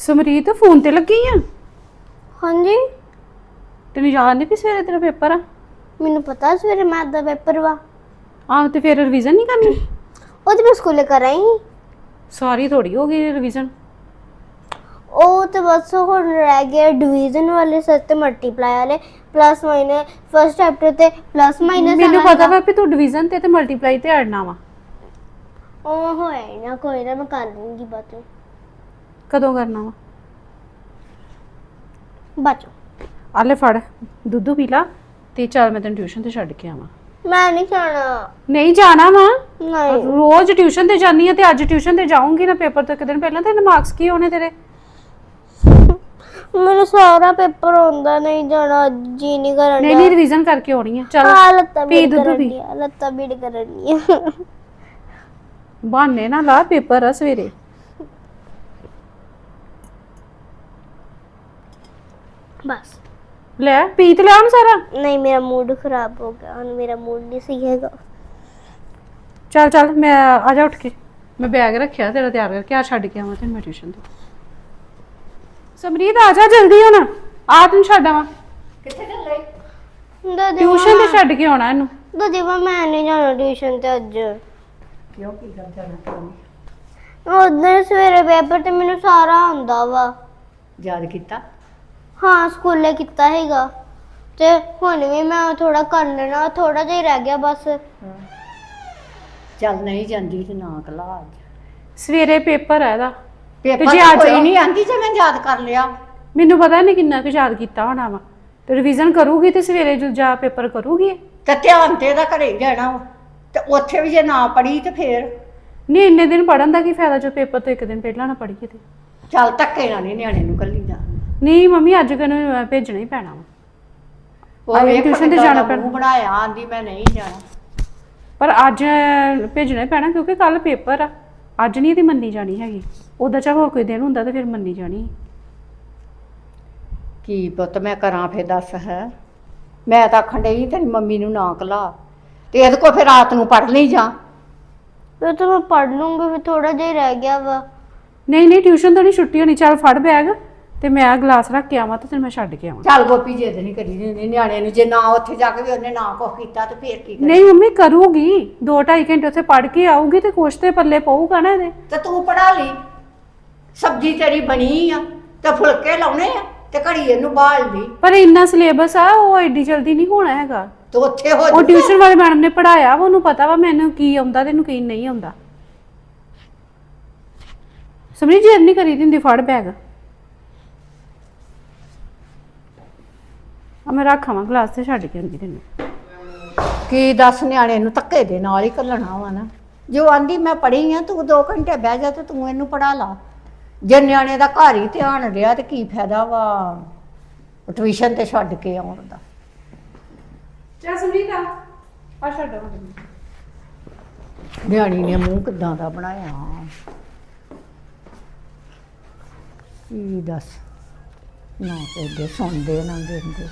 Samreet phone ਤੇ ਲੱਗੀ ਆ? ਹਾਂਜੀ ਤੈਨੂੰ ਯਾਦ ਨਹੀਂ ਵੀ ਸਵੇਰੇ ਤੇਰਾ ਪੇਪਰ ਆ? ਮੈਨੂੰ ਪਤਾ ਸਵੇਰੇ ਮੈਥ ਦਾ ਪੇਪਰ ਵਾ। ਆਹ ਤੇ ਫਿਰ ਰਿਵੀਜ਼ਨ ਨਹੀਂ ਕਰਨੀ? ਉਹ ਤੇ ਮੈਂ ਸਕੂਲੇ ਕਰ ਆਈ। ਸਾਰੀ ਥੋੜੀ ਹੋ ਗਈ ਰਿਵੀਜ਼ਨ। ਉਹ ਤੇ ਬਸ ਹੁਣ ਰਹਿ ਗਿਆ ਡਿਵੀਜ਼ਨ ਵਾਲੇ ਸਰ ਤੇ ਮਲਟੀਪਲਾਈ ਵਾਲੇ ਪਲੱਸ ਮਾਈਨਸ ਫਸਟ ਚੈਪਟਰ ਤੇ ਪਲੱਸ ਮਾਈਨਸ। ਮੈਨੂੰ ਪਤਾ ਵਾ ਵੀ ਤੂੰ ਡਿਵੀਜ਼ਨ ਤੇ ਮਲਟੀਪਲਾਈ ਤੇ ਅੜਨਾ ਵਾ। ਉਹ ਹੋਇਆ ਹੀ ਨਾ, ਕੋਈ ਨਾ ਮੈਂ ਕਰ ਲੂੰਗੀ ਬਾਅਦ ਵਿੱਚ। ਕਦੋਂ ਕਰਨਾ ਵਾ? ਬਾਅਦ ਆ ਲੈ ਫੜ ਦੁੱਧ ਪੀ ਲਾ ਤੇ ਚੱਲ ਮੈਂ ਤੈਨੂੰ ਟਿਊਸ਼ਨ ਤੇ ਛੱਡ ਕੇ ਆਵਾਂ। ਮੈਂ ਨਹੀਂ ਜਾਣਾ। ਨਹੀਂ ਜਾਣਾ ਵਾ? ਨਹੀਂ ਰੋਜ਼ ਟਿਊਸ਼ਨ ਤੇ ਜਾਨੀ ਆ ਤੇ ਅੱਜ ਟਿਊਸ਼ਨ ਤੇ ਜਾਊਂਗੀ ਨਾ ਪੇਪਰ ਤੋਂ ਇੱਕ ਦਿਨ ਪਹਿਲਾਂ। ਤੇ ਮਾਰਕਸ ਕੀ ਹੋਣੇ ਤੇਰੇ? ਮੈਨੂੰ ਸਾਰਾ ਪੇਪਰ ਹੁੰਦਾ, ਨਹੀਂ ਜਾਣਾ, ਜੀ ਨਹੀਂ ਕਰਨ ਨਹੀਂ ਨਹੀਂ ਰਿਵੀਜ਼ਨ ਕਰਕੇ ਆਉਣੀ ਆ। ਚੱਲ ਲੱਤਾਂ ਪੀ ਬੀੜ ਦੁੱਧ ਕਰਨ ਪੀ। ਦੀਆਂ, ਲੱਤਾਂ ਬੀੜ ਕਰਨ ਦੀਆਂ। ਬਹਾਨੇ ਨਾ ਲਾ, ਪੇਪਰ ਆ ਸਵੇਰੇ। ਬਸ ਲੈ ਪੀ ਤੇ ਲਿਆ ਹੁਣ ਸਾਰਾ। ਨਹੀਂ ਮੇਰਾ ਮੂਡ ਖਰਾਬ ਹੋ ਗਿਆ, ਹੁਣ ਮੇਰਾ ਮੂਡ ਨਹੀਂ ਸਹੀ ਹੈਗਾ। ਚੱਲ ਚੱਲ ਮੈਂ ਆ ਜਾ ਉੱਠ ਕੇ। ਮੈਂ ਬੈਗ ਰੱਖਿਆ ਤੇਰਾ ਤਿਆਰ ਕਰਕੇ, ਆ ਛੱਡ ਕੇ ਆਵਾਂ ਤੈਨੂੰ ਮੈਂ ਟਿਊਸ਼ਨ ਤੇ। ਸਮਰੀਤ ਆ ਜਾ ਜਲਦੀ ਹੁਣ, ਆ ਤੈਨੂੰ ਛੱਡ ਆਵਾਂ। ਕਿੱਥੇ ਚੱਲੇ? ਟਿਊਸ਼ਨ ਤੇ ਛੱਡ ਕੇ ਆਉਣਾ ਇਹਨੂੰ। ਦਾਦੀਵਾ ਮੈਂ ਨਹੀਂ ਜਾਣਾ ਟਿਊਸ਼ਨ ਤੇ ਅੱਜ। ਕਿਉਂ ਕੀ ਗੱਲ ਜਾਣਾ ਚਾਹੁੰਦੀ? ਉਧਰ ਸਵੇਰੇ ਪੇਪਰ ਤੇ ਮੈਨੂੰ ਸਾਰਾ ਆਉਂਦਾ ਵਾ। ਯਾਦ ਕੀਤਾ? ਹਾਂ ਸਕੂਲੇ ਕੀਤਾ ਹੈਗਾ ਤੇ ਹੁਣ ਵੀ ਮੈਂ ਥੋੜਾ ਕਰ ਲੈਣਾ, ਥੋੜਾ ਜਿਹਾ ਹੀ ਰਹਿ ਗਿਆ ਬਸ। ਚੱਲ ਨਹੀਂ ਜਾਂਦੀ ਤੇ ਨਾ ਕਲਾ ਅੱਜ। ਸਵੇਰੇ ਪੇਪਰ ਹੈ ਇਹਦਾ। ਪੇਪਰ ਜੇ ਤਾਂ ਅੱਜ ਕੋਈ ਨਹੀਂ ਆਂਦੀ ਜੇ ਮੈਂ ਯਾਦ ਕਰ ਲਿਆ। ਮੈਨੂੰ ਪਤਾ ਨਹੀਂ ਕਿੰਨਾ ਕੁ ਯਾਦ ਕੀਤਾ ਹੋਣਾ ਵਾ। ਤੇ ਰਿਵੀਜ਼ਨ ਕਰੂਗੀ ਤੇ ਸਵੇਰੇ ਜੋ ਜਾ ਪੇਪਰ ਕਰੂਗੀ। ਤੇ ਧਿਆਨ ਤੇ ਇਹਦਾ ਘਰੇ ਹੀ ਰਹਿਣਾ ਵਾ। ਤੇ ਉੱਥੇ ਵੀ ਜੇ ਨਾ ਪੜੀ ਤੇ ਫੇਰ ਨਹੀਂ ਇੰਨੇ ਦਿਨ ਪੜਨ ਦਾ ਕੀ ਫਾਇਦਾ ਜੋ ਪੇਪਰ ਤੋਂ ਇੱਕ ਦਿਨ ਪਹਿਲਾਂ ਨਾ ਪੜੀਏ ਤੇ। ਚੱਲ ਧੱਕੇ ਨਾਲ ਨਹੀਂ ਨਿਆਣੇ ਨੂੰ ਕੱਲੀ ਜਾਣ। ਨਹੀਂ ਮੰਮੀ ਅੱਜ ਕਿਨੂੰ ਭੇਜਣਾ ਹੀ ਪੈਣਾ ਵਾ। ਉਹ ਵੇਖ ਟਿਊਸ਼ਨ ਤੇ ਕਿੱਦਾਂ ਜਾਣਾ ਦਾ ਪੈਣਾ। ਮੂੰਹ ਬਣਾਇਆ, ਆਂਦੀ ਮੈਂ ਨਹੀਂ ਜਾਣਾ। ਪਰ ਅੱਜ ਭੇਜਣਾ ਹੀ ਪੈਣਾ ਕਿਉਂਕਿ ਕੱਲ ਪੇਪਰ ਆ। ਅੱਜ ਨਹੀਂ ਇਹਦੀ ਮੰਨੀ ਜਾਣੀ ਹੈਗੀ। ਉਹਦਾ ਚਾਹ ਹੋਰ ਕੋਈ ਦਿਨ ਹੁੰਦਾ ਤੇ ਫਿਰ ਮੰਨੀ ਜਾਣੀ। ਕੀ ਪੁੱਤ ਮੈਂ ਕਰਾਂ ਫੇਰ ਦੱਸ ਹੈ। ਮੈਂ ਤਾਂ ਆਖਣ ਡਈ ਤੇਰੀ ਮੰਮੀ ਨੂੰ ਨਾ ਕਲਾ ਤੇ ਇਹਦੇ ਕੋਲ ਫਿਰ ਰਾਤ ਨੂੰ ਪੜ ਲਈ ਜਾ। ਫਿਰ ਤਾਂ ਮੈਂ ਪੜ ਲੂੰਗੀ, ਫਿਰ ਥੋੜਾ ਜਿਹਾ ਹੀ ਰਹਿ ਗਿਆ ਵਾ। ਨਹੀਂ ਨਹੀਂ ਟਿਊਸ਼ਨ ਤੋਂ ਨਹੀਂ ਛੁੱਟੀ ਹੋਣੀ। ਚੱਲ ਫੜ ਬੈਗ ਤੇ ਮੈਂ ਗਲਾਸ ਰੱਖ ਕੇ ਆਵਾਂ ਤੇ ਤੈਨੂੰ ਮੈਂ ਛੱਡ ਕੇ ਆਵਾਂ। ਚੱਲ ਗੋਪੀ ਜਿੱਦ ਨਹੀਂ ਕਰੀ ਦਿੰਦੀ ਨਿਆਣੇ ਨੂੰ। ਜੇ ਨਾ ਉੱਥੇ ਜਾ ਕੇ ਵੀ ਉਹਨੇ ਨਾ ਕੁਛ ਕੀਤਾ ਤੇ ਫੇਰ ਕੀ ਕਰੇ? ਨਹੀਂ ਮੰਮੀ ਕਰੂਗੀ 2-2.5 ਘੰਟੇ ਉੱਥੇ ਪੜ ਕੇ ਆਊਗੀ ਤੇ ਕੁਛ ਤੇ ਪੱਲੇ ਪਊਗਾ ਨਾ ਇਹਦੇ। ਤੇ ਤੂੰ ਪੜਾ ਲਈ। ਸਬਜ਼ੀ ਤੇਰੀ ਬਣੀ ਆ ਤੇ ਫੁਲਕੇ ਲਾਉਣੇ ਆ ਤੇ ਘੜੀ ਇਹਨੂੰ ਬਾਲ ਲਈ। ਪਰ ਇੰਨਾ ਸਿਲੇਬਸ ਆ ਉਹ ਐਡੀ ਜਲਦੀ ਨਹੀਂ ਹੋਣਾ ਹੈਗਾ। ਤੇ ਉੱਥੇ ਹੋ ਉਹ ਜਾਊਗਾ। ਟਿਊਸ਼ਨ ਵਾਲੇ ਮੈਡਮ ਨੇ ਪੜਾਇਆ ਵਾ, ਉਹਨੂੰ ਪਤਾ ਵਾ ਮੈਨੂੰ ਕੀ ਆਉਂਦਾ ਤੈਨੂੰ ਕੀ ਨਹੀਂ ਆਉਂਦਾ। ਸਮਝੀ ਜੇ ਨਹੀਂ ਕਰੀ ਦਿੰਦੀ। ਫੜ ਬੈਗ ਆ ਮੈਂ ਰੱਖਾਵਾਂ ਗਲਾਸ ਤੇ ਛੱਡ ਕੇ ਆਉਂਦੀ ਤੈਨੂੰ। ਕੀ ਦੱਸ ਨਿਆਣੇ ਨੂੰ ਧੱਕੇ ਦੇ ਨਾਲ ਹੀ ਘੱਲਣਾ ਵਾ ਨਾ। ਜੋ ਆਂਦੀ ਮੈਂ ਪੜ੍ਹੀ ਆ ਤੂੰ 2 ਘੰਟੇ ਬਹਿ ਜਾ ਤੇ ਤੂੰ ਇਹਨੂੰ ਪੜਾ ਲਾ। ਜੇ ਨਿਆਣੇ ਦਾ ਘਰ ਹੀ ਧਿਆਨ ਰਿਹਾ ਤੇ ਕੀ ਫਾਇਦਾ ਵਾ ਟਿਊਸ਼ਨ ਤੇ ਛੱਡ ਕੇ ਆਉਣ ਦਾ। ਚੱਲ ਸਮਰੀਤ ਆ ਛੱਡ ਆਵਾਂ। ਨਿਆਣੀ ਨੇ ਮੂੰਹ ਕਿੱਦਾਂ ਦਾ ਬਣਾਇਆ। ਕੀ ਦੱਸ ਨਾ ਕਹਿੰਦੇ ਸੁਣਦੇ ਨਾ ਦਿੰਦੇ।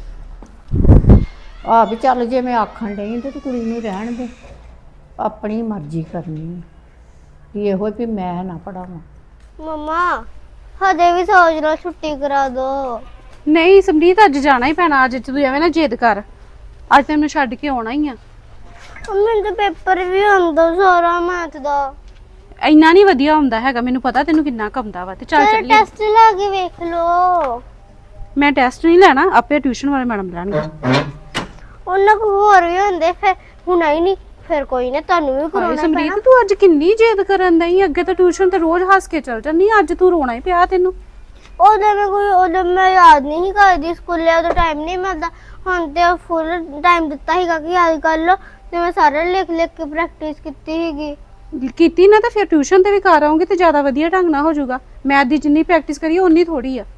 ਆ ਵੀ ਚੱਲ ਜੇ ਮੈਂ ਆਖਣ ਡਈ ਤੇ ਕੁੜੀ ਨੂੰ ਰਹਿਣ ਦੇ, ਆਪਣੀ ਮਰਜ਼ੀ ਕਰਨੀ। ਵੀ ਇਹੋ ਵੀ ਮੈਂ ਨਾ ਪੜਾਵਾਂ। ਮਮਾ ਹਜੇ ਵੀ ਸੋਚ ਲਓ ਛੁੱਟੀ ਕਰਾ ਦੋ। ਨਹੀਂ ਸਮਰੀਤ ਅੱਜ ਜਾਣਾ ਹੀ ਪੈਣਾ। ਅੱਜ ਤੂੰ ਐਵੇਂ ਨਾ ਜਿੱਦ ਕਰ। ਅੱਜ ਤੈਨੂੰ ਛੱਡ ਕੇ ਆਉਣਾ ਹੀ ਆ। ਮੈਨੂੰ ਤਾਂ ਪੇਪਰ ਵੀ ਆਉਂਦਾ ਸਾਰਾ ਮੈਥ ਦਾ। ਇੰਨਾ ਨਹੀਂ ਵਧੀਆ ਹੁੰਦਾ ਹੈਗਾ। ਮੈਨੂੰ ਪਤਾ ਤੈਨੂੰ ਕਿੰਨਾ ਕੰਮਦਾ ਵਾ। ਤੇ ਚੱਲ ਚਲ ਚੱਲੀਏ। ਟੈਸਟ ਲਾ ਕੇ ਵੇਖ ਲਓ। ਮੈਂ ਟੈਸਟ ਨਹੀਂ ਲੈਣਾ, ਆਪੇ ਟਿਊਸ਼ਨ ਵਾਲੇ ਮੈਡਮ ਲੈਣਗੇ। ਉਹਨਾਂ ਕੋ ਹੋਰ ਵੀ ਹੁੰਦੇ, ਫਿਰ ਹੁਣ ਹੀ ਨਹੀਂ, ਫਿਰ ਕੋਈ ਨਾ ਤੁਹਾਨੂੰ ਵੀ ਹਾਏ ਕਰਾਉਣਾ ਪੈਣਾ। ਸਮਰੀਤ ਤੂੰ ਅੱਜ ਕਿੰਨੀ ਜਿੱਦ ਕਰਨ ਦਈ। ਅੱਗੇ ਤਾਂ ਟਿਊਸ਼ਨ ਤੇ ਰੋਜ਼ ਹੱਸ ਕੇ ਚੱਲ ਜਾਂਦੀ, ਅੱਜ ਤੂੰ ਰੋਣਾ ਹੀ ਪਿਆ ਤੈਨੂੰ। ਉਦੋਂ ਮੈਂ ਯਾਦ ਨਹੀਂ ਕਰਦੀ, ਸਕੂਲੇ ਉਦੋਂ ਟਾਈਮ ਨਹੀਂ ਮਿਲਦਾ। ਹੁਣ ਤੇ ਫੁੱਲ ਟਾਈਮ ਦਿੱਤਾ ਸੀਗਾ ਕਿ ਯਾਦ ਕਰ ਲਓ ਤੇ ਮੈਂ ਸਾਰਾ ਲਿਖ ਲਿਖ ਕੇ ਪ੍ਰੈਕਟਿਸ ਕੀਤੀ ਸੀਗੀ। ਕੀਤੀ ਨਾ ਤਾਂ ਫਿਰ ਟਿਊਸ਼ਨ ਤੇ ਵੀ ਕਰ ਆਉਂਗੀ ਤੇ ਜ਼ਿਆਦਾ ਵਧੀਆ ਢੰਗ ਨਾਲ ਹੋ ਜਾਊਗਾ। ਮੈਥ ਦੀ ਜਿੰਨੀ ਪ੍ਰੈਕਟਿਸ ਕਰੀਏ ਉਨੀ ਥੋੜੀ ਆ।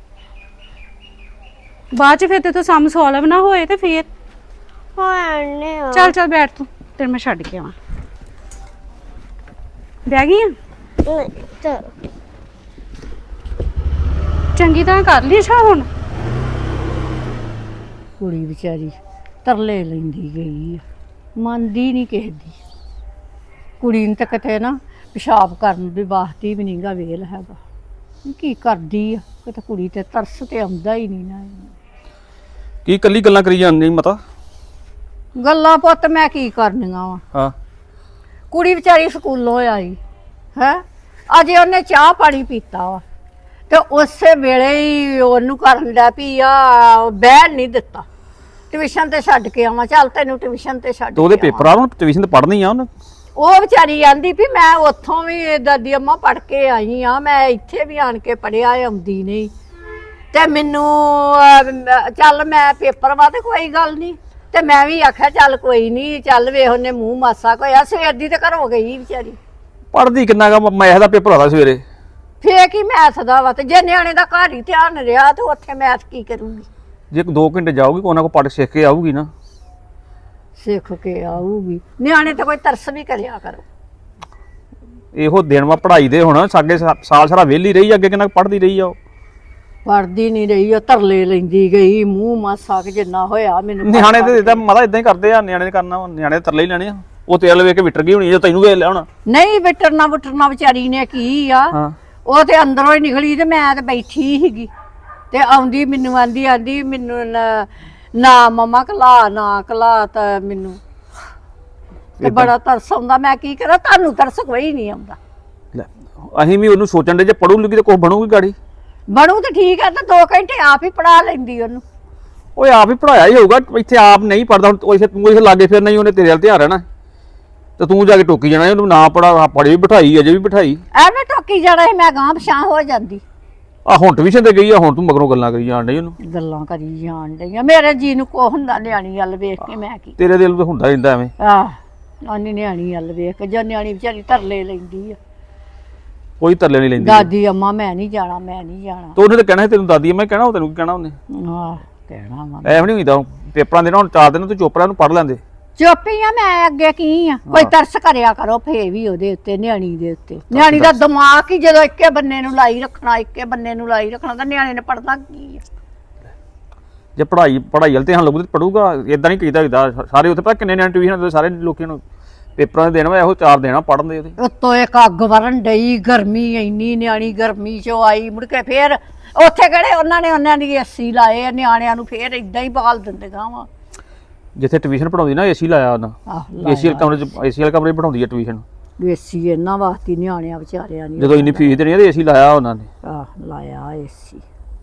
ਬਾਅਦ ਚ ਫਿਰ ਤੇ ਤੂੰ ਸਮ ਸੋਲਵ ਨਾ ਹੋਏ ਤੇ ਫਿਰ ਹਾਂ ਚੱਲ ਚੱਲ ਬੈਠ ਤੂੰ, ਤੈਨੂੰ ਮੈਂ ਛੱਡ ਕੇ ਆਵਾਂ। ਬਹਿ ਗਈ ਆ? ਚਲ ਚੰਗੀ ਤਰ੍ਹਾਂ ਕਰ ਲਈ ਛਾ ਹੁਣ। ਕੁੜੀ ਵਿਚਾਰੀ ਤਰਲੇ ਲੈਂਦੀ ਗਈ ਆ, ਮੰਨਦੀ ਨਹੀਂ ਕਿਸੇ ਦੀ। ਕੁੜੀ ਨੂੰ ਤਾਂ ਕਿਤੇ ਨਾ ਪਿਸ਼ਾਬ ਕਰਨ ਦੇ ਵਾਸਤੇ ਵੀ ਨਹੀਂਗਾ ਵੇਲ ਹੈਗਾ। ਕੀ ਕਰਦੀ ਆ ਕਿਤੇ ਕੁੜੀ ਤੇ ਤਰਸ ਤੇ ਆਉਂਦਾ ਹੀ ਨਹੀਂ ਨਾ ਕੀ ਕੱਲੀ ਗੱਲਾਂ ਕਰੀ ਜਾਂਦੀ ਮਤਾ? ਗੱਲਾਂ ਪੁੱਤ ਮੈਂ ਕੀ ਕਰਨੀਆਂ ਵਾ ਹਾਂ ਕੁੜੀ ਵਿਚਾਰੀ ਸਕੂਲੋਂ ਆਈ ਹੈ ਅਜੇ ਉਹਨੇ ਚਾਹ ਪਾਣੀ ਪੀਤਾ ਵਾ ਤੇ ਉਸੇ ਵੇਲੇ ਹੀ ਉਹਨੂੰ ਕਰਨ ਲੱਗ ਪਈ ਆ ਬਹਿਣ ਨਹੀਂ ਦਿੱਤਾ ਟਿਊਸ਼ਨ ਤੇ ਛੱਡ ਕੇ ਆਵਾਂ ਚੱਲ ਤੈਨੂੰ ਟਿਊਸ਼ਨ ਤੇ ਛੱਡ ਤੇ ਉਹਦੇ ਕੇ ਆਵਾਂ। ਪੇਪਰ ਆ, ਉਹਨੂੰ ਟਿਊਸ਼ਨ ਤੇ ਪੜ੍ਹਨੀ ਆ ਉਹਨੇ। ਉਹ ਵਿਚਾਰੀ ਆਂਦੀ ਵੀ ਮੈਂ ਉੱਥੋਂ ਵੀ ਦਾਦੀ ਅੰਮਾ ਪੜ੍ਹ ਕੇ ਆਈ ਆ ਮੈਂ ਇੱਥੇ ਵੀ ਆਣ ਕੇ ਪੜਿਆ ਆਉਂਦੀ ਨਹੀਂ ਤੇ ਮੈਨੂੰ ਚੱਲ ਮੈਂ ਪੇਪਰ ਵਾ ਤੇ ਕੋਈ ਗੱਲ ਨਹੀਂ ਤੇ ਮੈਂ ਵੀ ਆਖਿਆ ਚੱਲ ਕੋਈ ਨਹੀਂ ਚੱਲ ਵੇਖ ਉਹਨੇ ਮੂੰਹ ਮਾਸਾ ਕੋਇਆ ਸਵੇਰ ਦੀ ਤੇ ਘਰੋਂ ਗਈ ਵਿਚਾਰੀ ਪੜ੍ਹਦੀ ਕਿੰਨਾ ਗਾ? ਮੈਥ ਦਾ ਪੇਪਰ ਆਦਾ ਸਵੇਰੇ। ਫੇਰ ਕੀ ਮੈਥ ਦਾ ਵਾ ਤੇ ਜੇ ਨਿਆਣੇ ਦਾ ਘਰ ਹੀ ਧਿਆਨ ਰਿਹਾ ਤੇ ਉੱਥੇ ਮੈਥ ਕੀ ਕਰੂਗੀ ਜੇ 2 ਘੰਟੇ ਜਾਊਗੀ ਕੋਨਾ ਕੋ ਪੜ੍ਹ ਸਿੱਖ ਕੇ ਆਊਗੀ ਨਾ। ਸਿੱਖ ਕੇ ਆਊਗੀ ਨਿਆਣੇ ਤੇ ਕੋਈ ਤਰਸ ਵੀ ਕਰਿਆ ਕਰੋ ਇਹੋ ਦਿਨ ਵਾ ਪੜ੍ਹਾਈ ਦੇ ਹੁਣ ਸਾਡੇ ਸਾਲ ਸਾਰਾ ਵਿਹਲੀ ਰਹੀ, ਅੱਗੇ ਕਿੰਨਾ ਪੜ੍ਹਦੀ ਰਹੀ ਆ ਉਹ। ਪੜਦੀ ਨਹੀਂ ਰਹੀ ਉਹ ਤਰਲੇ ਲੈਂਦੀ ਗਈ ਮੂੰਹ ਮਾਸਾ ਕਿ ਜਿੰਨਾ ਹੋਇਆ ਮੈਨੂੰ ਨਿਆਣੇ ਤੇ ਇਦਾਂ ਮਤਾ ਇਦਾਂ ਹੀ ਕਰਦੇ ਆ, ਨਿਆਣੇ ਨੇ ਕਰਨਾ ਵਾ, ਨਿਆਣੇ ਦੇ ਤਰਲੇ ਹੀ ਲੈਣੇ ਆ। ਉਹ ਤੇਲ ਵੇਖ ਕੇ ਵਿਟਰ ਗਈ ਹੋਣੀ ਜੇ ਤੈਨੂੰ ਵੇਖ ਲਿਆ ਹੋਣਾ। ਨਹੀਂ ਵਿਟਰਨਾ ਵਿਚਾਰੀ ਨੇ ਕੀ ਆ ਹਾਂ ਉਹ ਤੇ ਅੰਦਰੋਂ ਹੀ ਨਿਕਲੀ ਤੇ ਮੈਂ ਤੇ ਬੈਠੀ ਸੀਗੀ ਤੇ ਆਉਂਦੀ ਮੈਨੂੰ ਆਂਦੀ ਮੈਨੂੰ ਨਾ ਮਮਾ ਕਲਾ ਤਾਂ ਮੈਨੂੰ ਤੇ ਬੜਾ ਤਰਸ ਆਉਂਦਾ ਮੈਂ ਕੀ ਕਰਾਂ ਤੁਹਾਨੂੰ ਤਰਸ ਕੋਈ ਨਹੀਂ ਆਉਂਦਾ ਲੈ ਅਸੀਂ ਵੀ ਉਹਨੂੰ ਸੋਚਣ ਦੇ ਜੇ ਪੜੂ ਲੂਗੀ ਤੇ ਕੁਛ ਬਣੂਗੀ ਗਾੜੀ। ਬਣੂ ਤੇ ਠੀਕ ਹੈ ਤਾਂ 2 ਘੰਟੇ ਆਪ ਹੀ ਪੜਾ ਲੈਂਦੀ ਉਹਨੂੰ ਓਏ ਆਪ ਹੀ ਪੜਾਇਆ ਹੀ ਹੋਊਗਾ, ਇੱਥੇ ਆਪ ਨਹੀਂ ਪੜਦਾ ਹੁਣ ਤੂੰ ਇੱਥੇ ਲਾਗੇ ਫਿਰ ਨਹੀਂ ਉਹਨੇ ਤੇਰੇ ਵੱਲ ਧਿਆਨ ਰਹਿਣਾ ਤੇ ਤੂੰ ਜਾ ਕੇ ਟੋਕੀ ਜਾਣਾ ਉਹਨੂੰ ਨਾ ਪੜਾ ਪੜੀ ਵੀ ਬਿਠਾਈ ਅਜੇ ਵੀ ਬਿਠਾਈ ਐਵੇਂ ਟੋਕੀ ਜਾਣਾ ਸੀ ਮੈਂ ਗਾਂਹ ਪਛਾਂ ਹੋ ਜਾਂਦੀ ਆ ਹੁਣ ਟਿਊਸ਼ਨ ਤੇ ਗਈ ਆ, ਹੁਣ ਤੂੰ ਮਗਰੋਂ ਗੱਲਾਂ ਕਰੀ ਜਾਣ ਡਈ ਉਹਨੂੰ। ਗੱਲਾਂ ਕਰੀ ਜਾਣ ਡਈਆਂ ਮੇਰੇ ਜੀ ਨੂੰ ਕੋ ਹੁੰਦਾ ਨਿਆਣੀ ਵੱਲ ਵੇਖ ਕੇ ਮੈਂ ਕੀ ਤੇਰੇ ਦਿਲ ਤੇ ਹੁੰਦਾ ਰਹਿੰਦਾ ਐਵੇਂ। ਨਾਨੀ ਨਿਆਣੀ ਵੱਲ ਵੇਖ ਕੇ ਜਾਂ ਨਿਆਣੀ ਵਿਚਾਰੀ ਤਰਲੇ ਲੈਂਦੀ ਆ ਕੋਈ ਤਰਲੇ ਨਹੀਂ ਲੈਂਦੀ। ਦਾਦੀ ਅੰਮਾ ਮੈਂ ਨਹੀਂ ਜਾਣਾ ਤੇ ਉਹਨੇ ਤਾਂ ਕਹਿਣਾ ਸੀ ਤੈਨੂੰ ਦਾਦੀ ਮੈਂ ਕਹਿਣਾ, ਉਹ ਤੈਨੂੰ ਕੀ ਕਹਿਣਾ ਉਹਨੇ? ਆਹ ਕਹਿਣਾ ਵਾ ਐਵੇਂ ਨਹੀਂ ਹੁੰਦਾ ਪੇਪਰਾਂ ਦੇ ਨਾ ਹੁਣ 4 ਦਿਨ ਤੂੰ ਚੁੱਪ ਰਹਿ ਉਹਨੂੰ ਪੜ ਲੈਂਦੇ। ਚੁੱਪੀ ਆ ਮੈਂ ਅੱਗੇ ਕੀ ਆ ਕੋਈ ਤਰਸ ਕਰਿਆ ਕਰੋ ਫੇ ਵੀ ਉਹਦੇ ਉੱਤੇ ਨਿਆਣੀ ਦੇ ਉੱਤੇ ਨਿਆਣੀ ਦਾ ਦਿਮਾਗ ਹੀ ਜਦੋਂ ਇੱਕੇ ਬੰਨੇ ਨੂੰ ਲਾਈ ਰੱਖਣਾ ਤਾਂ ਨਿਆਣੇ ਨੇ ਪੜਨਾ ਕੀ ਆ ਜੇ ਪੜ੍ਹਾਈ ਵੱਲ ਧਿਆਨ ਲੱਗੂ ਤੇ ਪੜੂਗਾ। ਇਦਾਂ ਨਹੀਂ ਕੀਤਾ ਸਾਰੇ ਉੱਥੇ ਪਤਾ ਕਿੰਨੇ ਨਿਆਣੇ ਟਿਊਸ਼ਨ ਦੇ ਸਾਰੇ ਲੋਕਾਂ ਨੂੰ ਪੇਪਰਾਂ ਦੇ ਦੇਣਾ ਇਹੋ 4 ਦੇਣਾ ਪੜਨ ਦੇ ਉਹਦੇ। ਉੱਤੋਂ ਇੱਕ ਅੱਗ ਵਰਨ ਡਈ ਗਰਮੀ ਇੰਨੀ ਨਿਆਣੀ ਗਰਮੀ ਚੋਂ ਆਈ ਮੁੜ ਕੇ ਫੇਰ ਉੱਥੇ ਕਿਹੜੇ ਉਹਨਾਂ ਦੀ ਏਸੀ ਲਾਏ ਆ ਨਿਆਣਿਆਂ ਨੂੰ ਫੇਰ ਇਦਾਂ ਹੀ ਬਾਲ ਦਿੰਦੇ ਗਾਵਾਂ ਜਿੱਥੇ ਟਿਊਸ਼ਨ ਪੜਾਉਂਦੀ ਨਾ ਏਸੀ ਲਾਇਆ ਉਹਨਾਂ ਏਸੀ ਵਾਲੇ ਕਮਰੇ ਪੜਾਉਂਦੀ ਆ ਟਿਊਸ਼ਨ। ਏਸੀ ਇਹਨਾਂ ਵਾਸਤੇ ਨਿਆਣਿਆਂ ਵਿਚਾਰਿਆਂ ਨੇ ਜਦੋਂ ਇੰਨੀ ਫੀਸ ਦੇਣੀ ਆ ਤੇ ਏਸੀ ਲਾਇਆ ਉਹਨਾਂ ਨੇ। ਲਾਇਆ ਏਸੀ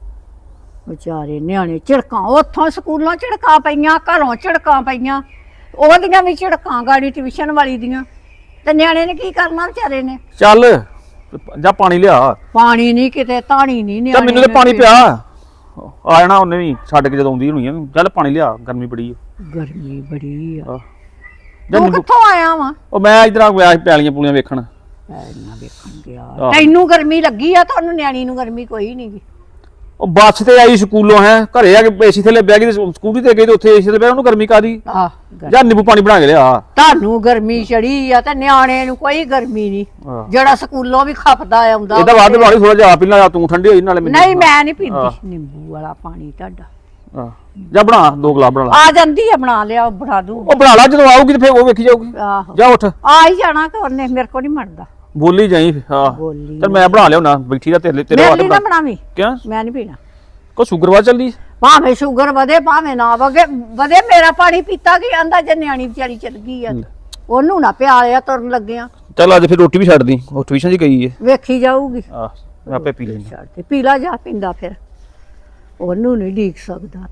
ਵਿਚਾਰੇ ਨਿਆਣੇ ਝਿੜਕਾਂ ਉੱਥੋਂ ਸਕੂਲੋਂ ਝਿੜਕਾਂ ਪਈਆਂ ਘਰੋਂ ਝਿੜਕਾਂ ਪਈਆਂ ਉਹਦੀਆਂ ਵੀ ਝਿੜਕਾਂ ਗਾੜੀ ਟਿਊਸ਼ਨ ਵਾਲੀ ਦੀਆਂ ਤੇ ਨਿਆਣੇ ਨੇ ਕੀ ਕਰਨਾ ਵਿਚਾਰੇ ਨੇ। ਚੱਲ ਜਾ ਪਾਣੀ ਲਿਆ। ਪਾਣੀ ਨਹੀਂ ਕਿਤੇ ਧਾਣੀ ਨਹੀਂ ਚੱਲ ਮੈਨੂੰ ਤੇ ਪਾਣੀ ਪਿਆ ਆ ਜਾਣਾ ਉਹਨੇ ਵੀ ਛੱਡ ਕੇ ਜਦੋਂ ਆਉਂਦੀ ਹੋਣੀ ਆ। ਚੱਲ ਪਾਣੀ ਲਿਆ ਗਰਮੀ ਬੜੀ ਆ। ਗਰਮੀ ਬੜੀ ਆ ਜਾ ਤੂੰ ਕਿੱਥੋਂ ਆਇਆ ਵਾ ਉਹ ਮੈਂ ਇਧਰ ਆ ਗਿਆ ਪੈਲੀਆਂ ਪੂਲੀਆਂ ਵੇਖਣ। ਪੈਲੀਆਂ ਵੇਖਣ ਗਿਆ ਤੈਨੂੰ ਗਰਮੀ ਲੱਗੀ ਆ ਤੁਹਾਨੂੰ ਨਿਆਣੀ ਨੂੰ ਗਰਮੀ ਕੋਈ ਨਹੀਂ ਗੀ। ਉਹ ਬੱਸ ਤੇ ਆਈ ਸਕੂਲੋਂ ਹੈ ਘਰੇ ਆ ਕੇ ਏਸੀ ਥੱਲੇ ਬਹਿ ਗਈ ਤੇ ਸਕੂਟੀ ਤੇ ਗਈ ਤੇ ਉੱਥੇ ਏਸੀ ਥੱਲੇ ਬਹਿ ਉਹਨੂੰ ਗਰਮੀ ਕਾਦੀ। ਜਾਂ ਨਿੰਬੂ ਪਾਣੀ ਬਣਾ ਕੇ ਲਿਆ। ਤੁਹਾਨੂੰ ਗਰਮੀ ਚੜੀ ਆ ਤੇ ਨਿਆਣੇ ਨੂੰ ਕੋਈ ਗਰਮੀ ਨਹੀਂ ਜਿਹੜਾ ਸਕੂਲੋਂ ਵੀ ਖਪਦਾ ਆਉਂਦਾ ਇਹਦਾ ਵੱਧ ਵਾਲੀ ਥੋੜਾ ਜਿਹਾ ਪੀ ਲਾ ਤੂੰ ਠੰਡੀ ਹੋਈ ਨਾਲੇ ਨਹੀਂ ਮੈਂ ਨਹੀਂ ਪੀਂਦੀ ਨਿੰਬੂ ਵਾਲਾ ਪਾਣੀ ਤੁਹਾਡਾ। ਜਾ ਬਣਾ 2 ਗਲਾਸ ਬਣਾ ਲਾ। ਆ ਜਾਂਦੀ ਆ ਬਣਾ ਲਿਆ ਬਣਾ ਦੂ ਉਹ ਬਣਾ ਲਾ ਜਦੋਂ ਆਊਗੀ ਤੇ ਫੇਰ ਉਹ ਵੇਖੀ ਜਾਊਗੀ। ਆਹੋ ਜਾ ਉੱਠ ਆ ਹੀ ਜਾਣਾ ਕਿ ਉਹਨੇ ਮੇਰੇ ਕੋਲ ਨਹੀਂ ਮਰਦਾ ਬੋਲੀ ਜਾਈ। ਹਾਂ ਬੋਲੀ ਚੱਲ ਮੈਂ ਬਣਾ ਲਿਆ ਨਾ ਬੈਠੀ ਦਾ ਤੇਰੇ ਮੇਰੇ ਵਾਸਤੇ ਲਈ ਨਾ ਬਣਾਵੀਂ ਕਿਆ ਮੈਂ ਨਹੀਂ ਪੀਣਾ ਕੋ ਸ਼ੂਗਰਵਾ ਚੱਲਦੀ। ਭਾਵੇਂ ਸ਼ੂਗਰ ਵਧੇ ਭਾਵੇਂ ਨਾ ਵਧੇ ਮੇਰਾ ਪਾਣੀ ਪੀਤਾ ਕੀ ਆਂਦਾ ਜੇ ਨਿਆਣੀ ਵਿਚਾਰੀ ਚਲ ਗਈ ਆ ਉਹਨੂੰ ਨਾ ਪਿਆਲਿਆ ਤੁਰਨ ਲੱਗਿਆ। ਚੱਲ ਅੱਜ ਫਿਰ ਰੋਟੀ ਵੀ ਛੱਡ ਦੀ ਉਹ ਟਿਊਸ਼ਨ 'ਚ ਗਈ ਏ। ਵੇਖੀ ਜਾਊਗੀ ਆਹ ਮੈਂ ਆਪੇ ਪੀ ਲੈਂਦਾ। ਛੱਡ ਤੇ ਪੀਲਾ ਜਾ ਪਿੰਦਾ ਫਿਰ ਉਹਨੂੰ ਨਹੀਂ ਢੀਕ ਸਕਦਾ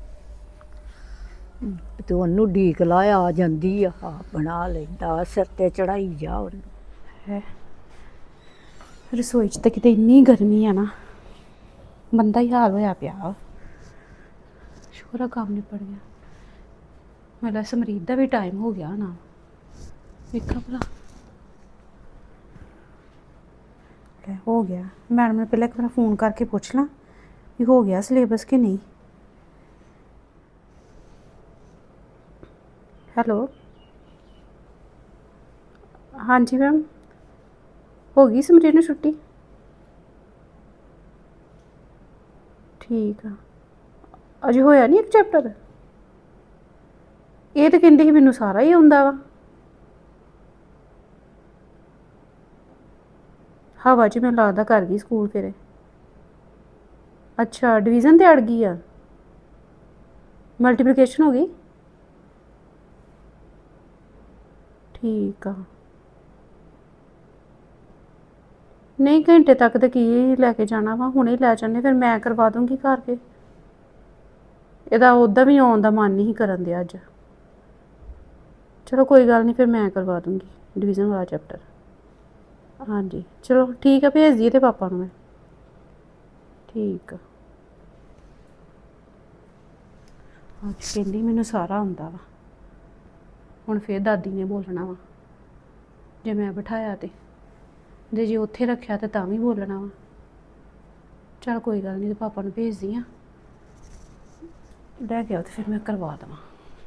ਤੇ ਉਹਨੂੰ ਢੀਕ ਲਾਇਆ ਆ ਜਾਂਦੀ ਆ ਬਣਾ ਲੈਂਦਾ ਸਿਰ ਤੇ ਚੜਾਈ ਜਾ ਉਹਨੂੰ। ਰਸੋਈ 'ਚ ਤਾਂ ਕਿਤੇ ਇੰਨੀ ਗਰਮੀ ਆ ਨਾ ਬੰਦਾ ਹੀ ਹਾਲ ਹੋਇਆ ਪਿਆ। ਸ਼ੁਕਰ ਆ ਕੰਮ ਨਿਪਟ ਗਿਆ। ਮੇਰਾ ਸਮਰੀਤ ਦਾ ਵੀ ਟਾਈਮ ਹੋ ਗਿਆ ਨਾ ਵੇਖਾਂ ਭਲਾ ਹੋ ਗਿਆ। ਮੈਡਮ ਨੇ ਪਹਿਲਾਂ ਇੱਕ ਵਾਰ ਫੋਨ ਕਰਕੇ ਪੁੱਛ ਲਾਂ ਵੀ ਹੋ ਗਿਆ ਸਿਲੇਬਸ ਕਿ ਨਹੀਂ। ਹੈਲੋ ਹਾਂਜੀ ਮੈਮ ਹੋ ਗਈ ਸਮਰੀਤ ਨੂੰ ਛੁੱਟੀ? ਠੀਕ ਆ ਅਜੇ ਹੋਇਆ ਨਹੀਂ ਇੱਕ ਚੈਪਟਰ। ਇਹ ਤਾਂ ਕਹਿੰਦੀ ਸੀ ਮੈਨੂੰ ਸਾਰਾ ਹੀ ਆਉਂਦਾ ਵਾ। ਹਵਾ 'ਚ ਮੈਨੂੰ ਲੱਗਦਾ ਕਰ ਗਈ ਸਕੂਲ ਫਿਰ। ਅੱਛਾ ਡਿਵੀਜ਼ਨ ਤੇ ਅੜ ਗਈ ਆ ਮਲਟੀਪਲੀਕੇਸ਼ਨ ਹੋ ਗਈ ਠੀਕ ਆ ਨਹੀਂ ਘੰਟੇ ਤੱਕ ਤਾਂ ਕੀ ਲੈ ਕੇ ਜਾਣਾ ਵਾ ਹੁਣੇ ਲੈ ਜਾਂਦੇ ਫਿਰ ਮੈਂ ਕਰਵਾ ਦੂੰਗੀ ਘਰ ਕੇ ਇਹਦਾ ਉੱਦਾਂ ਵੀ ਆਉਣ ਦਾ ਮਨ ਨਹੀਂ ਕਰਨ ਦਿਆ ਅੱਜ ਚਲੋ ਕੋਈ ਗੱਲ ਨਹੀਂ ਫਿਰ ਮੈਂ ਕਰਵਾ ਦੂੰਗੀ ਡਿਵੀਜ਼ਨ ਵਾਲਾ ਚੈਪਟਰ ਹਾਂਜੀ ਚਲੋ ਠੀਕ ਆ ਭੇਜ ਦਈਏ ਤੇ ਪਾਪਾ ਨੂੰ ਮੈਂ ਠੀਕ ਆ ਅੱਜ ਕਹਿੰਦੀ ਮੈਨੂੰ ਸਾਰਾ ਆਉਂਦਾ ਵਾ ਹੁਣ ਫਿਰ ਦਾਦੀ ਨੇ ਬੋਲਣਾ ਵਾ ਜੇ ਮੈਂ ਬਿਠਾਇਆ ਤੇ ਜੇ ਉੱਥੇ ਰੱਖਿਆ ਤੇ ਤਾਂ ਵੀ ਬੋਲਣਾ ਵਾ ਚਲ ਕੋਈ ਗੱਲ ਨਹੀਂ ਤੇ ਪਾਪਾ ਨੂੰ ਭੇਜਦੀ ਆ ਲੈ ਕੇ ਆਓ ਤੇ ਫਿਰ ਮੈਂ ਕਰਵਾ ਦੇਵਾਂ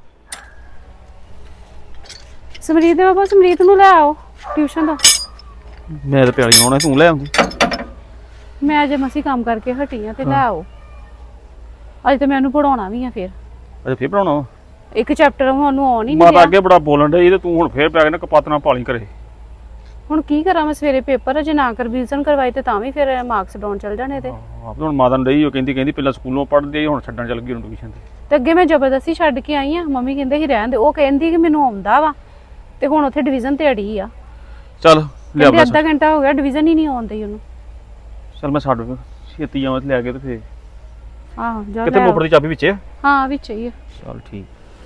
ਸਮਰੀਤ ਦੇ ਪਾਪਾ ਸਮਰੀਤ ਨੂੰ ਲੈ ਆਓ ਟਿਊਸ਼ਨ ਦਾ ਮੈਂ ਤਾਂ ਪਿਆਲੀ ਆਉਣਾ ਤੂੰ ਲੈ ਆਉਂਦੀ ਮੈਂ ਅਜੇ ਮਸੀਂ ਕੰਮ ਕਰਕੇ ਹਟੀ ਆ ਤੇ ਲੈ ਆਓ ਅੱਜ ਤੇ ਮੈਨੂੰ ਪੜਾਉਣਾ ਵੀ ਆ ਫਿਰ ਅੱਛਾ ਫੇਰ ਪੜਾਉਣਾ ਵਾ ਇੱਕ ਚੈਪਟਰ ਉਹਨੂੰ ਆਉਣ ਹੀ ਨਹੀਂ ਮਾਤਾ ਰਿਹਾ ਅੱਗੇ ਬੜਾ ਬੋਲਣ ਡਈ ਤੇ ਤੂੰ ਹੁਣ ਫੇਰ ਪੈ ਕੇ ਨਾ ਕਪੱਤ ਨਾਲ ਪਾਲੀ ਕਰੇ ਹੁਣ ਕੀ ਕਰਾਂ ਮੈਂ ਸਵੇਰੇ ਪੇਪਰ ਜੇ ਨਾ ਕਰ ਰਿਵੀਜ਼ਨ ਕਰਵਾਈ ਤੇ ਤਾਂ ਵੀ ਫਿਰ ਮਾਰਕਸ ਡਾਊਨ ਚੱਲ ਜਾਣੇ ਤੇ ਆਪ ਹੁਣ ਮਾਤਾ ਨੂੰ ਡਈ ਉਹ ਕਹਿੰਦੀ ਪਹਿਲਾਂ ਸਕੂਲੋਂ ਪੜ੍ਹਦੀ ਹੁਣ ਛੱਡਣ ਚੱਲ ਗਈ ਹੁਣ ਟਿਊਸ਼ਨ ਤੇ ਅੱਗੇ ਮੈਂ ਜ਼ਬਰਦਸਤੀ ਛੱਡ ਕੇ ਆਈ ਆ ਮੰਮੀ ਕਹਿੰਦੇ ਸੀ ਰਹਿਣ ਦੇ ਉਹ ਕਹਿੰਦੀ ਕਿ ਮੈਨੂੰ ਆਉਂਦਾ ਵਾ ਤੇ ਹੁਣ ਉੱਥੇ ਡਿਵੀਜ਼ਨ ਤੇ ਅੜੀ ਆ ਚੱਲ ਲਿਆ ਕਹਿੰਦੇ ਅੱਧਾ ਘੰਟਾ ਹੋ ਗਿਆ ਡਿਵੀਜ਼ਨ ਹੀ ਨਹੀਂ ਆਉਂਦੀ ਉਹਨੂੰ ਚੱਲ ਮੈਂ ਛੱਡ ਛੇਤੀ ਆਵਾਂ ਤੇ ਲੈ ਕੇ ਤੇ ਫੇਰ ਆਹੋ ਜਾ ਕਿਤੇ ਲੈ ਮੋਟਰ ਦੀ ਚਾਬੀ ਵਿੱਚ ਹੈ ਹਾਂ ਵਿੱਚ ਹੀ ਆ ਚੱਲ ਠੀਕ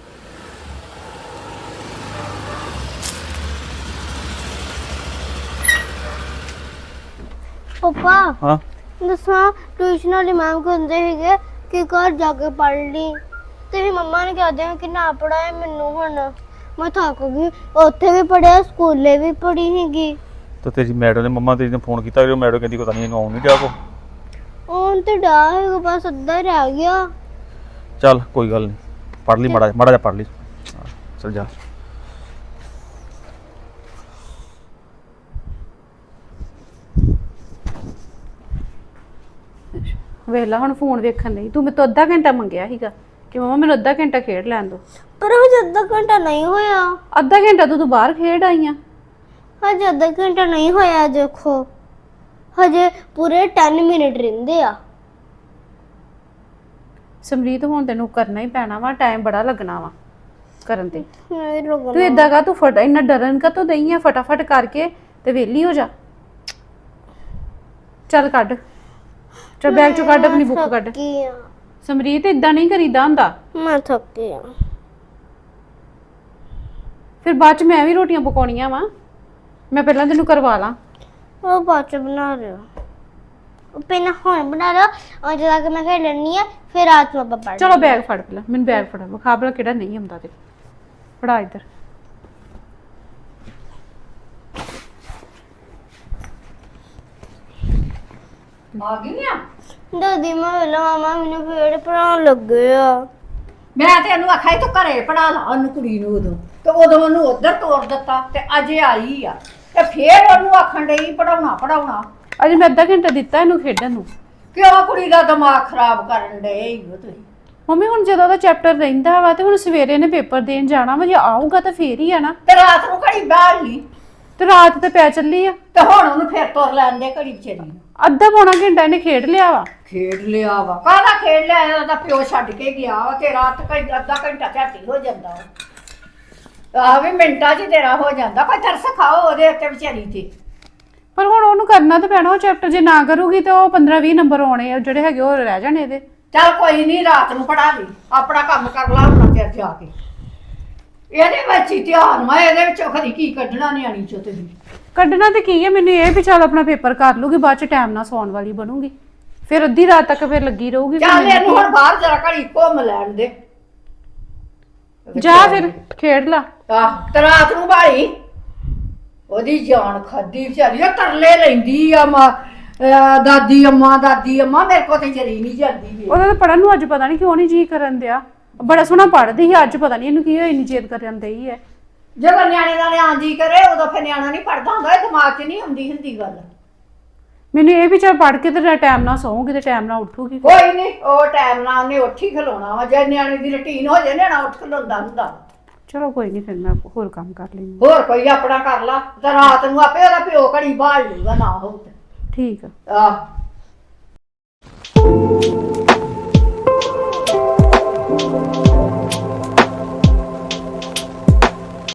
ਪਾਪਾ ਹਾਂ ਦੱਸਾਂ ਟਿਊਸ਼ਨ ਵਾਲੀ ਮੈਮ ਕਹਿੰਦੇ ਸੀਗੇ ਕਿ ਘਰ ਜਾ ਕੇ ਪੜ੍ਹ ਲਈ ਤੇ ਵੀ ਮੰਮਾ ਨੇ ਕਹਦੇ ਕਿ ਨਾ ਪੜਾਏ ਮੈਨੂੰ ਹੁਣ ਮੈਂ ਥੱਕ ਗਈ ਉੱਥੇ ਵੀ ਪੜਿਆ ਸਕੂਲੇ ਵੀ ਪੜ੍ਹੀ ਸੀਗੀ ਤਾਂ ਤੇਰੀ ਮੈਡਮ ਨੇ ਮੰਮਾ ਤੇਰੀ ਨੇ ਫੋਨ ਕੀਤਾ ਉਹ ਮੈਡਮ ਕਹਿੰਦੀ ਪਤਾ ਨਹੀਂ ਇਹਨੂੰ ਆਉਣ ਨਹੀਂ ਡਿਆ ਕੋ ਹੁਣ ਤੇ ਡਾ ਹੈਗਾ ਬਸ ਅੱਧਾ ਹੀ ਰਹਿ ਗਿਆ ਚੱਲ ਕੋਈ ਗੱਲ ਨਹੀਂ ਪੜ੍ਹ ਲਈ ਮਾੜਾ ਜਿਹਾ ਪੜ੍ਹ ਲਈ ਚੱਲ ਜਾ ਵੇਲਾ ਹੁਣ ਫੋਨ ਵੇਖਣ ਲਈ ਤੂੰ ਮੇਰੇ ਤੋਂ ਅੱਧਾ ਘੰਟਾ ਮੰਗਿਆ ਸੀਗਾ ਕਿ ਮਮਾ ਮੈਨੂੰ ਅੱਧਾ ਘੰਟਾ ਖੇਡ ਲੈਣ ਦੋ ਪਰ ਹਜੇ ਅੱਧਾ ਘੰਟਾ ਨਹੀਂ ਹੋਇਆ ਅੱਧਾ ਘੰਟਾ ਤੂੰ ਬਾਹਰ ਖੇਡ ਆਈ ਆ ਹਜੇ ਅੱਧਾ ਘੰਟਾ ਨਹੀਂ ਹੋਇਆ ਦੇਖੋ ਹਜੇ ਪੂਰੇ 10 ਮਿੰਟ ਰਹਿੰਦੇ ਆ ਸਮਰੀਤ ਹੁਣ ਤੈਨੂੰ ਕਰਨਾ ਹੀ ਪੈਣਾ ਵਾ ਟਾਈਮ ਬੜਾ ਲੱਗਣਾ ਵਾ ਕਰਨ ਤੇ ਨਹੀਂ ਲੱਗਣਾ ਤੂੰ ਇਦਾਂ ਕਾ ਤੂੰ ਫਟ ਇੰਨਾ ਡਰਨ ਕਾ ਤੂੰ ਦਈ ਆ ਫਟਾਫਟ ਕਰਕੇ ਤੇ ਵਿਹਲੀ ਹੋ ਜਾ ਚੱਲ ਕੱਢ ਚੱਲ ਬੈਗ ਚੋਂ ਕੱਢ ਆਪਣੀ ਬੁੱਕ ਕੱਢ ਥੱਕੀ ਆ ਸਮਰੀਤ ਇਦਾਂ ਨਹੀਂ ਕਰੀਦਾ ਹੁੰਦਾ ਮੈਂ ਥੱਕੀ ਆ ਫਿਰ ਬਾਅਦ ਚ ਮੈਂ ਵੀ ਰੋਟੀਆਂ ਪਕਾਉਣੀਆਂ ਵਾ ਮੈਂ ਪਹਿਲਾਂ ਤੈਨੂੰ ਕਰਵਾ ਲਾਂ ਉਹ ਬਾਅਦ ਚ ਬਣਾ ਰਿਹਾ ਉਹ ਪਹਿਲਾਂ ਹੁਣ ਬਣਾ ਰਿਹਾ ਔਰ ਜਦੋਂ ਕਿ ਮੈਂ ਖੇਡ ਲੈਣੀ ਆ ਫਿਰ ਰਾਤ ਨੂੰ ਆਪਾਂ ਪੜ੍ਹ ਚਲੋ ਬੈਗ ਫੜ ਪਹਿਲਾਂ ਮੈਨੂੰ ਬੈਗ ਫੜਾ ਵਿਖਾ ਭਲਾ ਕਿਹੜਾ ਨਹੀਂ ਆਉਂਦਾ ਤੇ ਫੜਾ ਇੱਧਰ ਆ ਗਈ ਆ ਦਾਦੀ ਮੈਂ ਵੇਲਾ ਮਾਮਾ ਮੈਨੂੰ ਫੇਰ ਪੜਾਉਣ ਲੱਗੇ ਆ ਮੈਂ ਤੇ ਇਹਨੂੰ ਆਖਿਆ ਸੀ ਤੂੰ ਘਰੇ ਪੜਾ ਲਾ ਉਹਨੂੰ ਕੁੜੀ ਨੂੰ ਉਦੋਂ ਤੇ ਉਦੋਂ ਉਹਨੂੰ ਉਧਰ ਤੋੜ ਦਿੱਤਾ ਤੇ ਅਜੇ ਆਈ ਆ ਤੇ ਫੇਰ ਉਹਨੂੰ ਆਖਣ ਡਈ ਪੜਾਉਣਾ ਅੱਜ ਮੈਂ ਅੱਧਾ ਘੰਟਾ ਦਿੱਤਾ ਇਹਨੂੰ ਖੇਡਣ ਨੂੰ ਕਿਉਂ ਕੁੜੀ ਦਾ ਦਿਮਾਗ ਖਰਾਬ ਕਰਨ ਡਏ ਹੋ ਤੁਸੀਂ ਮੰਮੀ ਹੁਣ ਜਦੋਂ ਦਾ ਚੈਪਟਰ ਰਹਿੰਦਾ ਵਾ ਤੇ ਹੁਣ ਸਵੇਰੇ ਨੇ ਪੇਪਰ ਦੇਣ ਜਾਣਾ ਵਾ ਜੇ ਆਊਗਾ ਤਾਂ ਫੇਰ ਹੀ ਆ ਨਾ ਤੇ ਰਾਤ ਨੂੰ ਘੜੀ ਬਾਹਰ ਲਈ ਤੇ ਰਾਤ ਤੇ ਪੈ ਚੱਲੀ ਆ ਤੇ ਹੁਣ ਉਹਨੂੰ ਫੇਰ ਤੁਰ ਲੈਣ ਦੇ ਘੜੀ ਵਿਚਾਰੀ ਨੂੰ ਅੱਧਾ ਪੌਣਾ ਘੰਟਾ ਇਹਨੇ ਖੇਡ ਲਿਆ ਵਾ ਖੇਡ ਲਿਆ ਵਾ ਕਾਹਦਾ ਖੇਡ ਲਿਆ ਉਹਦਾ ਪਿਓ ਛੱਡ ਕੇ ਗਿਆ ਵਾ ਤੇ ਰਾਤ ਅੱਧਾ ਘੰਟਾ ਝਾਟੀ ਹੋ ਜਾਂਦਾ ਵਾ ਆ ਵੀ ਮਿੰਟਾਂ 'ਚ ਤੇਰਾ ਹੋ ਜਾਂਦਾ ਕੋਈ ਤਰਸ ਖਾਓ ਉਹਦੇ ਉੱਤੇ ਵਿਚਾਰੀ ਤੇ ਪਰ ਹੁਣ ਉਹਨੂੰ ਕਰਨਾ ਤਾਂ ਪੈਣਾ ਉਹ ਚੈਪਟਰ ਜੇ ਨਾ ਕਰੂਗੀ ਤਾਂ ਉਹ 15-20 ਨੰਬਰ ਆਉਣੇ ਆ ਜਿਹੜੇ ਹੈਗੇ ਉਹ ਰਹਿ ਜਾਣੇ ਇਹਦੇ ਚੱਲ ਕੋਈ ਨਹੀਂ ਰਾਤ ਨੂੰ ਪੜਾ ਲਈ ਆਪਣਾ ਕੰਮ ਕਰ ਲਾ ਹੁਣ ਚਿਰ ਜਾ ਕੇ ਇਹਦੇ ਵਿੱਚ ਹੀ ਧਿਆਨ ਵਾ ਇਹਦੇ ਵਿੱਚੋਂ ਖਰੀ ਕੀ ਕੱਢਣਾ ਨਿਆਣੀ ਚੋਂ ਤੁਸੀਂ ਕੱਢਣਾ ਤੇ ਕੀ ਹੈ ਮੈਨੂੰ ਇਹ ਵੀ ਚੱਲ ਆਪਣਾ ਪੇਪਰ ਕਰ ਲੂਗੀ ਬਾਅਦ ਚ ਟਾਈਮ ਨਾਲ ਸੌਣ ਵਾਲੀ ਬਣੂਗੀ ਫਿਰ ਅੱਧੀ ਰਾਤ ਤੱਕ ਫਿਰ ਲੱਗੀ ਰਹੂਗੀ ਫਿਰ ਚੱਲ ਮੈਨੂੰ ਇਹਨੂੰ ਹੁਣ ਬਾਹਰ ਜਰਾ ਘੜੀ ਘੁੰਮ ਲੈਣ ਦੇ ਜਾ ਫਿਰ ਖੇਡ ਲਾ ਆਹ ਤੇ ਰਾਤ ਨੂੰ ਭਾਈ ਉਹਦੀ ਜਾਨ ਖਾਦੀ ਵਿਚਾਰੀ ਉਹ ਤਰਲੇ ਲੈਂਦੀ ਆ ਦਾਦੀ ਅੰਮਾ ਮੇਰੇ ਕੋਲ ਤੇ ਜਰੀ ਨਹੀਂ ਜਾਂਦੀ ਵੀ ਉਹਦਾ ਤਾਂ ਪੜਨ ਨੂੰ ਅੱਜ ਪਤਾ ਨਹੀਂ ਕਿਉਂ ਨਹੀਂ ਜੀ ਕਰਨ ਦਿਆ ਬੜਾ ਸੋਹਣਾ ਪੜ੍ਹਦੀ ਸੀ ਅੱਜ ਪਤਾ ਨਹੀਂ ਇਹਨੂੰ ਕੀ ਹੋਇਆ ਇੰਨੀ ਜੇਦ ਕਰਨ ਦਈ ਹੈ ਜਦੋਂ ਨਿਆਣੇ ਦਾ ਨਿਆਂ ਜੀ ਕਰੇ ਉਦੋਂ ਫਿਰ ਨਿਆਣਾ ਨਹੀਂ ਪੜਦਾ ਹੁੰਦਾ ਇਹ ਦਿਮਾਗ 'ਚ ਨਹੀਂ ਹੁੰਦੀ ਗੱਲ ਮੈਨੂੰ ਇਹ ਵੀ ਚੱਲ ਪੜ੍ਹ ਕੇ ਤੇ ਟਾਈਮ ਨਾਲ ਸੌਂਗੀ ਤੇ ਟਾਈਮ ਨਾਲ ਉੱਠੂਗੀ ਕੋਈ ਨਹੀਂ ਉਹ ਟਾਈਮ ਨਾਲ ਉਹਨੇ ਉੱਠ ਹੀ ਖਲੋਣਾ ਵਾ ਜੇ ਨਿਆਣੇ ਦੀ ਰੁਟੀਨ ਹੋ ਜਾਏ ਨਿਆਣਾ ਉੱਠ ਖਲੋਂਦਾ ਹੁੰਦਾ ਚਲੋ ਕੋਈ ਨਹੀਂ ਫਿਰ ਮੈਂ ਹੋਰ ਕੰਮ ਕਰ ਲੈਂਦੀ ਹੋਰ ਕੋਈ ਆਪਣਾ ਕਰ ਲਾ ਤੇ ਰਾਤ ਨੂੰ ਆਪੇ ਉਹਦਾ ਪਿਓ ਘੜੀ ਬਾਹਰ ਲੂਗਾ ਨਾ ਹੋਊ ਤੇ ਠੀਕ ਆ ਆਹ